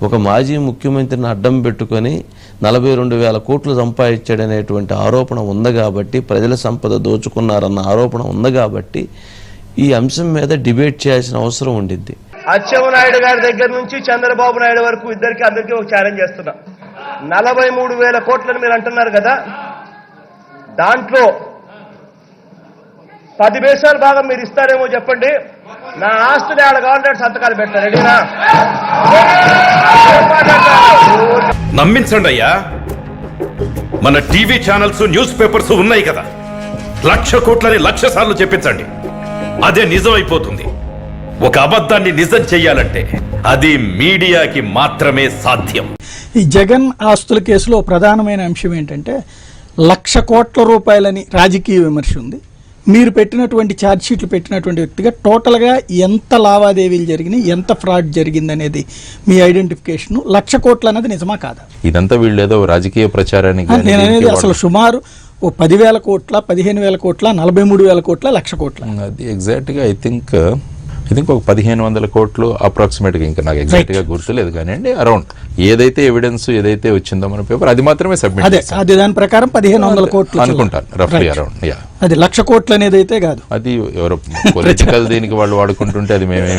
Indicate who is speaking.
Speaker 1: ఒక మాజీ ముఖ్యమంత్రిని అడ్డం పెట్టుకొని 42,000 కోట్లు సంపాదించాడనేటువంటి ఆరోపణ ఉంది కాబట్టి, ప్రజల సంపద దోచుకున్నారన్న ఆరోపణ ఉంది కాబట్టి ఈ అంశం మీద డిబేట్ చేయాల్సిన అవసరం ఉండిద్ది.
Speaker 2: అచ్చెన్నాయుడు గారి దగ్గర నుంచి చంద్రబాబు నాయుడు వరకు అందరికీ ఒక ఛాలెంజ్ చేస్తున్నా. 43,000 కోట్లని మీరు అంటున్నారు కదా, దాంట్లో 10 పైసలు భాగం మీరు ఇస్తారేమో చెప్పండి. నా ఆస్తిని ఆడ గవర్నమెంట్ సంతకాలు పెడతారు. రెడీనా?
Speaker 3: నమ్మించండి అయ్యా, మన టీవీ ఛానల్స్, న్యూస్ పేపర్స్ ఉన్నాయి కదా, 1,00,000 కోట్లని 1,00,000 సార్లు చెప్పించండి, అదే నిజం అయిపోతుంది. ఒక అబద్ధాన్ని నిజం చెయ్యాలంటే అది మీడియాకి మాత్రమే సాధ్యం.
Speaker 4: ఈ జగన్ ఆస్తుల కేసులో ప్రధానమైన అంశం ఏంటంటే 1,00,000 కోట్ల రూపాయలని రాజకీయ విమర్శ ఉంది. మీరు పెట్టినటువంటి ఛార్జ్షీట్లు పెట్టినటువంటి వ్యక్తిగా టోటల్గా ఎంత లావాదేవీలు జరిగినాయి, ఎంత ఫ్రాడ్ జరిగింది అనేది మీ ఐడెంటిఫికేషన్. 1,00,000 కోట్లు అనేది నిజమా కాదా?
Speaker 5: ఇదంతా వీళ్ళు ఏదో రాజకీయ ప్రచారానికి
Speaker 4: నేను అనేది అసలు సుమారు ఓ 10,000 కోట్ల, 15,000 కోట్ల, 43,000 కోట్ల, 1,00,000 కోట్ల.
Speaker 5: అది ఎగ్జాక్ట్గా ఐ థింక్ ఒక 1,500 కోట్లు అప్రాక్సిమేట్గా, ఇంకా నాకు ఎగ్జాక్ట్గా గుర్తులేదు కానీ అరౌండ్ ఏదైతే ఎవిడెన్స్ ఏదైతే వచ్చిందో మన పేపర్ అది మాత్రమే సబ్మిట్
Speaker 4: అదే దాని ప్రకారం 1,500 కోట్లు
Speaker 5: అనుకుంటాను రఫ్లీ అరౌండ్.
Speaker 4: అది 1,00,000 కోట్లు అనేది అయితే కాదు.
Speaker 5: అది ఎవరో పొలిటికల్ దీనికి వాళ్ళు వాడుకుంటుంటే అది మేమే